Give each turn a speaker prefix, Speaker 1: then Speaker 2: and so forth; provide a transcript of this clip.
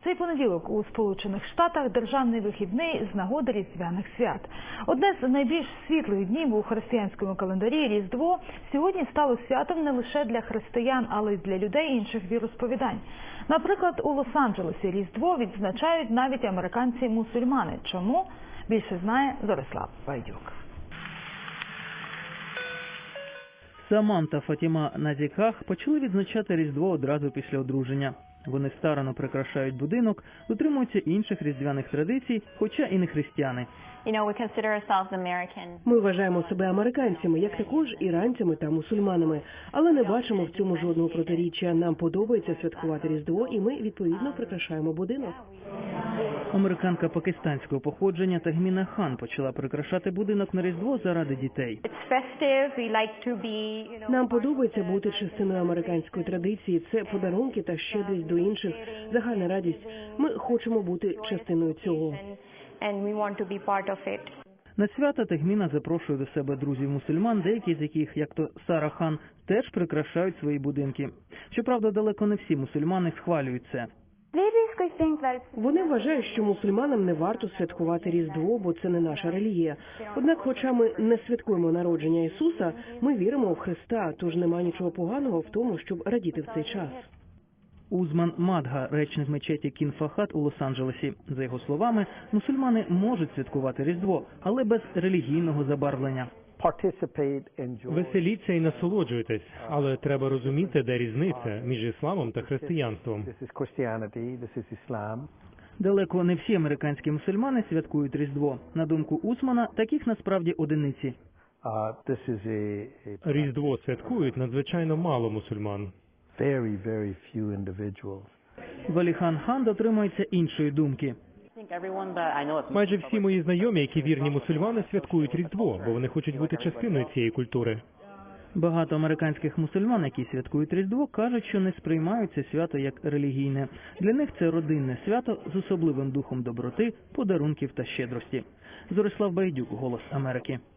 Speaker 1: Цей понеділок у Сполучених Штатах – державний вихідний з нагоди різдвяних свят. Одне з найбільш світлих днів у християнському календарі – Різдво – сьогодні стало святом не лише для християн, але й для людей інших віросповідань. Наприклад, у Лос-Анджелесі Різдво відзначають навіть американці-мусульмани. Чому? Більше знає Зорислав Байдюк.
Speaker 2: Саман та Фатіма Назіках почали відзначати Різдво одразу після одруження. Вони старанно прикрашають будинок, дотримуються інших різдвяних традицій, хоча і не християни.
Speaker 3: Ми вважаємо себе американцями, як також іранцями та мусульманами. Але не бачимо в цьому жодного протиріччя. Нам подобається святкувати Різдво, і ми, відповідно, прикрашаємо будинок.
Speaker 2: Американка пакистанського походження Тагміна Хан почала прикрашати будинок на Різдво заради дітей.
Speaker 3: Нам подобається бути частиною американської традиції. Це подарунки та щедрість до інших, загальна радість. Ми хочемо бути частиною цього.
Speaker 2: На свята Тагміна запрошує до себе друзів-мусульман, деякі з яких, як то Сара Хан, теж прикрашають свої будинки. Щоправда, далеко не всі мусульмани схвалюють це.
Speaker 3: Вони вважають, що мусульманам не варто святкувати Різдво, бо це не наша релігія. Однак, хоча ми не святкуємо народження Ісуса, ми віримо в Христа, тож нема нічого поганого в тому, щоб радіти в цей час.
Speaker 2: Узман Мадга, речник мечеті Кін-Фахат у Лос-Анджелесі. За його словами, мусульмани можуть святкувати Різдво, але без релігійного забарвлення.
Speaker 4: Веселіться і насолоджуйтесь, але треба розуміти, де різниця між ісламом та християнством.
Speaker 2: Далеко не всі американські мусульмани святкують Різдво. На думку Узмана, таких насправді одиниці.
Speaker 4: Різдво святкують надзвичайно мало мусульман.
Speaker 2: Валіхан Хан дотримується іншої думки.
Speaker 4: Майже всі мої знайомі, які вірні мусульмани, святкують Різдво, бо вони хочуть бути частиною цієї культури.
Speaker 2: Багато американських мусульман, які святкують Різдво, кажуть, що не сприймають це свято як релігійне. Для них це родинне свято з особливим духом доброти, подарунків та щедрості. Зорислав Байдюк, «Голос Америки».